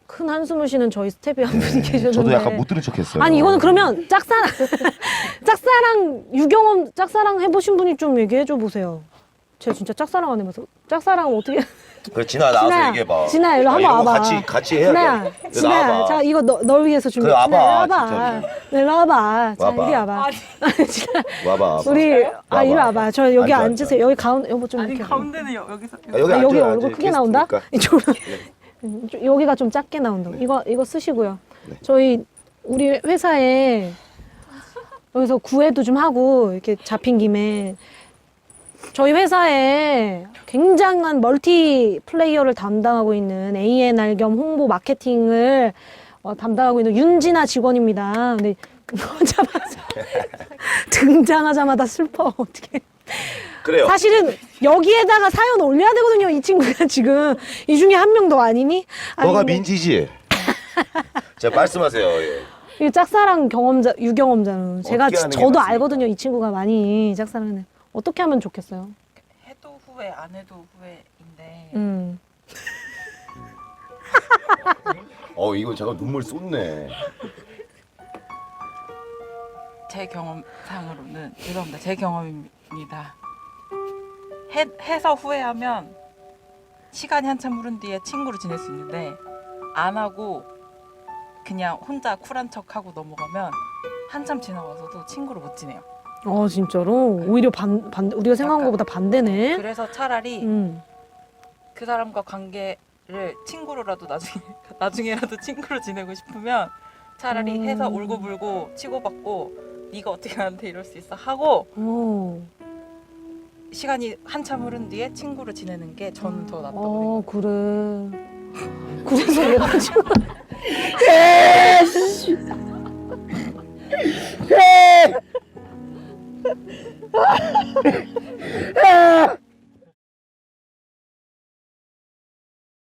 큰 한숨을 쉬는 저희 스텝이 한 분이 계셨는데 저도 약간 못 들은 척했어요. 아니 이거는 그러면 짝사랑 유경험 짝사랑 해보신 분이 좀 얘기해줘 보세요. 제가 진짜 짝사랑 안 해봐서 짝사랑 어떻게 그래 진아 나와서 얘기해봐. 진아 일로 한번 이런 거 와봐. 같이 해야 진아야, 돼. 진아야, 나와봐. 자 이거 널 위해서 준비. 그래, 와봐, 진아, 일로 와봐. 진짜로. 네, 일로 와봐. 자 와봐. 이리 와봐. 진아, 와봐. 우리 와봐. 이리 와봐. 저 여기 앉아, 앉으세요. 여기 가운데 여보 좀 아니 이렇게. 가운데는 여기서 여기 아, 여기 앉아야지. 얼굴 크게 나온다? 게스트니까. 이쪽으로. 여기가 좀 작게 나온다. 이거 쓰시고요. 네. 저희 우리 회사에 여기서 구애도 좀 하고 이렇게 잡힌 김에 저희 회사에 굉장한 멀티 플레이어를 담당하고 있는 A&R 겸 홍보 마케팅을 담당하고 있는 윤진아 직원입니다. 근데 등장하자마자 슬퍼. 어떻게? 그래요. 사실은 여기에다가 사연 올려야 되거든요. 이 친구가 지금 이 중에 한 명도 아니니? 너가 아니, 민지지? 자 말씀하세요. 예. 이 짝사랑 경험자 유경험자는 제가 어떻게 하는 게 저도 맞습니까? 알거든요. 이 친구가 많이 짝사랑을 어떻게 하면 좋겠어요? 해도 후회 안 해도 후회인데 이거 잠깐 눈물 쏟네. 제 경험상으로는 죄송합니다. 제 경험입니다. 해서 후회하면 시간이 한참 흐른 뒤에 친구로 지낼 수 있는데 안 하고 그냥 혼자 쿨한 척하고 넘어가면 한참 지나가서도 친구로 못 지내요. 진짜로? 오히려 우리가 생각한 약간. 것보다 반대네. 그래서 차라리 음. 그 사람과 관계를 친구로라도 나중에라도 친구로 지내고 싶으면 차라리 해서 울고불고 치고받고 네가 어떻게 나한테 이럴 수 있어 하고 오. 시간이 한참 흐른 뒤에 친구로 지내는 게 저는 더 낫다고 생각해요. 그래. 그래서 내가 지금